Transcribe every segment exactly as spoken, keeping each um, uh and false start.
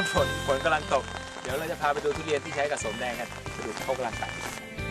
ฝนฝนกำลังตกเดี๋ยวเราจะพาไปดูทุเรียนที่ใช้กับสมแดงกันไปดูเขากำลังตัด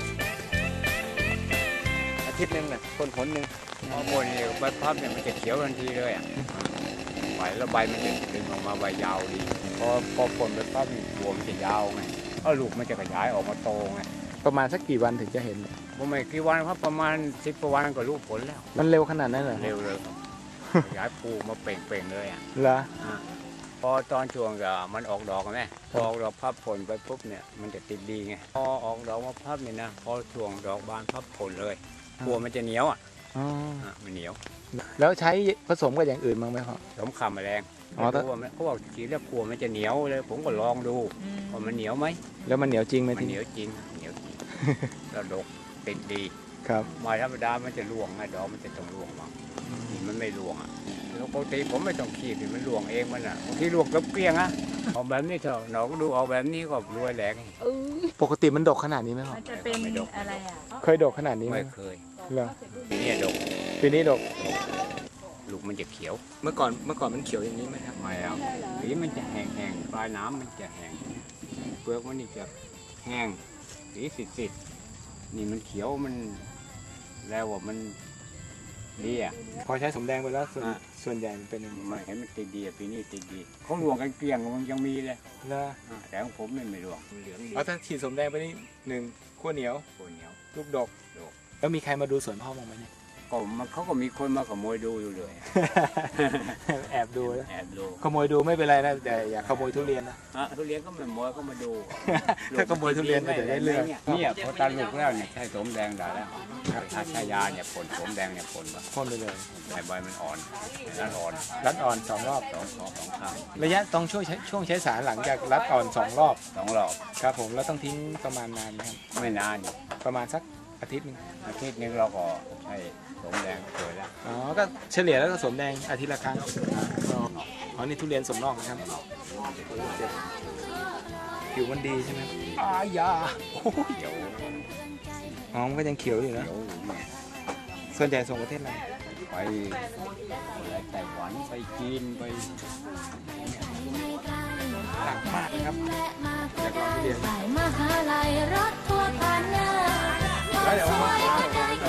อาทิตย์หนึ่งเนี่ยคนผลหนึ่งพอหมดเนี่ยใบพับเนี่ยมันจะเขียวทันทีเลยอ่ะใบแล้วใบมันจะดึงออกมาใบยาวดีพอพอฝนใบพับนี่หัวมันจะยาวไงก็ลูกมันจะขยายออกมาโตไงประมาณสักกี่วันถึงจะเห็นผมไม่กี่วันครับประมาณสิบกว่าวันก็รู้ผลแล้วมันเร็วขนาดนั้นเหรอเร็วเลยครับขยายปูมาเป่งๆเลยอ่ะเหรอพอตอนช่วงก็มันออกดอกไหมพอออกดอกพับผลไปปุ๊บเนี่ยมันจะติดดีไงพอออกดอกมาพับเนี่ยนะพอช่วงดอกบานพับผลเลยบัวมันจะเหนียวอ่ะมันเหนียวแล้วใช้ผสมกับอย่างอื่นบ้างไหมครับผสมข่าแมลงอ๋อเขาบอกขีดแล้วกลัวมันจะเหนียวเลยผมก็ลองดูว่ามันเหนียวไหมแล้วมันเหนียวจริงไหมมันเหนียวจริงเหนียวจริงแล้วดกติดดีครับมาธรรมดามันจะร่วงไงดอกมันจะต้องร่วงบ้างนี่มันไม่ร่วงอ่ะปกติผมไม่ต้องขีดมันร่วงเองมันอ่ะบางทีร่วงกับเกลี้ยงอ่ะออกแบบนี้เถอะหนอก็ดูออกแบบนี้ก็รวยแหลกปกติมันดกขนาดนี้ไหมครับมันจะเป็นอะไรอ่ะเคยดกขนาดนี้ไหมไม่เคยเหรอปีนี้ดกปีนี้ดกลูกมันจะเขียวเมื่อก่อนเมื่อก่อนมันเขียวอย่างนี้ไหมครับไม่เอาสีมันจะแห้งๆปลายน้ำมันจะแห้งเปลือกมันนี่จะแห้งสีสิดๆนี่มันเขียวมันแล้วว่ามันดีอ่ะพอใช้สมแดงไปแล้วส่วนส่วนใหญ่มันเป็นไม่เห็นมันติดดีปีนี้ติดดีเขาหลวงกันเกลี้ยงมันยังมีเลยแล้วแต่ของผมไม่ไม่หลวงเหลืองดีเอาถ้าฉีดสมแดงไปนี่หนึ่งขั้วเหนียวขั้วเหนียวลูกดกแล้วมีใครมาดูสวนพ่อบ้างไหมเนี่ยก็มันเขาก็มีคนมาขโมยดูอยู่เลยแอบดูแล้วแอบดูขโมยดูไม่เป็นไรนะแต่อย่าขโมยทุเรียนนะทุเรียนก็ไม่ขโมยก็มาดูถ้าขโมยทุเรียนก็จะได้เรื่องเนี่ยพอตาลูกแล้วเนี่ยใช้สมแดงได้แล้วถ้าใช้ยาเนี่ยผลสมแดงเนี่ยผลป่ะพ่นไปเลยใบใบมันอ่อนรัดอ่อนรัดอ่อนสองรอบสองสองสองครั้งระยะต้องช่วยช่วงใช้สารหลังจากรัดอ่อนสองรอบสองรอบครับผมแล้วต้องทิ้งประมาณนานไหมครับไม่นานประมาณสักอาทิตย์นึงอาทิตย์นึงเราก็ใช้สมแดงเกิดแล้วอ๋อก็เฉลี่ยแล้วก็สมแดงอาทิตย์ละครั้งอ๋อนี่ทุเรียนสมนอกนะครับผิวมันดีใช่ไหมอายาโอ้ยเขียวอ๋อมันก็ยังเขียวอยู่นะส่วนใหญ่ส่งประเทศอะไรไปไต้หวันไปจีนไปหนักมากนะครับอยากลองทุเรียนมหาลัยรถทัวร์ผ่านหน้าแล้วเดี๋ยว